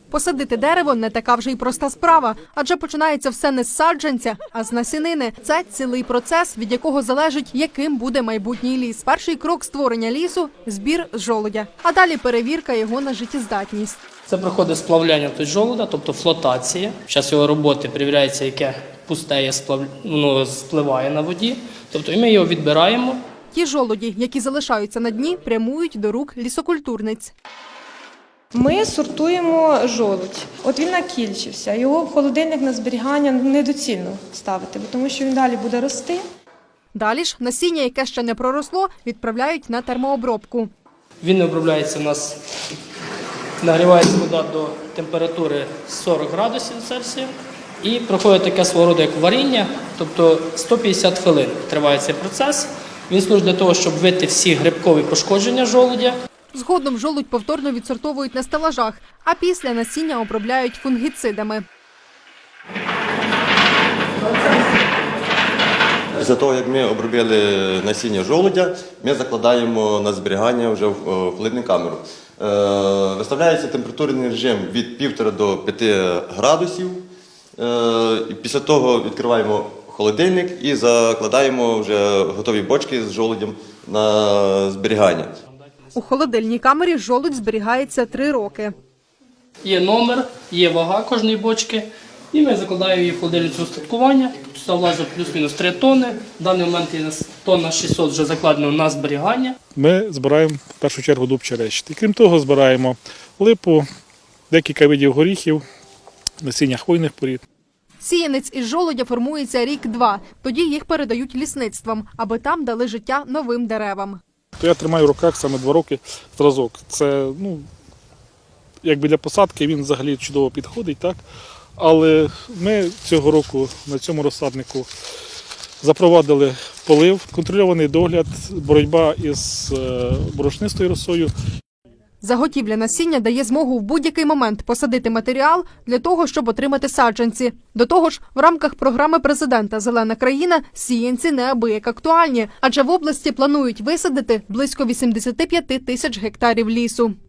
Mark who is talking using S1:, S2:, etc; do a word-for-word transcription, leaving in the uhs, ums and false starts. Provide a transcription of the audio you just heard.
S1: Посадити дерево – не така вже й проста справа, адже починається все не з саджанця, а з насінини. Це цілий процес, від якого залежить, яким буде майбутній ліс. Перший крок створення лісу – збір з жолудя, а далі перевірка його на життєздатність.
S2: Це проходить сплавляння тут жолуда, тобто флотація. Під час його роботи перевіряється, яке пустеє сплав... ну, спливає на воді, тобто і ми його відбираємо.
S1: Ті жолуді, які залишаються на дні, прямують до рук лісокультурниць.
S3: Ми сортуємо жолудь. От він накільчився, його в холодильник на зберігання недоцільно ставити, тому що він далі буде рости.
S1: Далі ж насіння, яке ще не проросло, відправляють на термообробку.
S2: Він не обробляється у нас, нагрівається вода до температури сорок градусів Цельсія і проходить таке свого роду, як варіння, тобто сто п'ятдесят хвилин триває цей процес. Він служить для того, щоб вити всі грибкові пошкодження жолудя.
S1: Згодом жолудь повторно відсортовують на стелажах, а після насіння обробляють фунгіцидами.
S4: Після того, як ми обробили насіння жолудя, ми закладаємо на зберігання вже в холодильну камеру. Виставляється температурний режим від півтора до п'яти градусів. Після того відкриваємо холодильник і закладаємо вже готові бочки з жолудем на зберігання.
S1: У холодильній камері жолудь зберігається три роки.
S2: Є номер, є вага кожної бочки, і ми закладаємо її в холодильницю устаткування. Тут влазить плюс-мінус три тонни. В даний момент є тонна шістсот вже закладено на зберігання.
S5: Ми збираємо в першу чергу дуб черещити. Крім того, збираємо липу, декілька видів горіхів, насіння хвойних порід.
S1: Сіянець із жолудя формується рік-два. Тоді їх передають лісництвам, аби там дали життя новим деревам.
S5: То я тримаю в руках саме два роки зразок. Це, ну, якби для посадки він взагалі чудово підходить, так? Але ми цього року на цьому розсаднику запровадили полив, контрольований догляд, боротьба із борошнистою росою.
S1: Заготівля насіння дає змогу в будь-який момент посадити матеріал для того, щоб отримати саджанці. До того ж, в рамках програми президента «Зелена країна» сіянці неабияк актуальні, адже в області планують висадити близько вісімдесят п'ять тисяч гектарів лісу.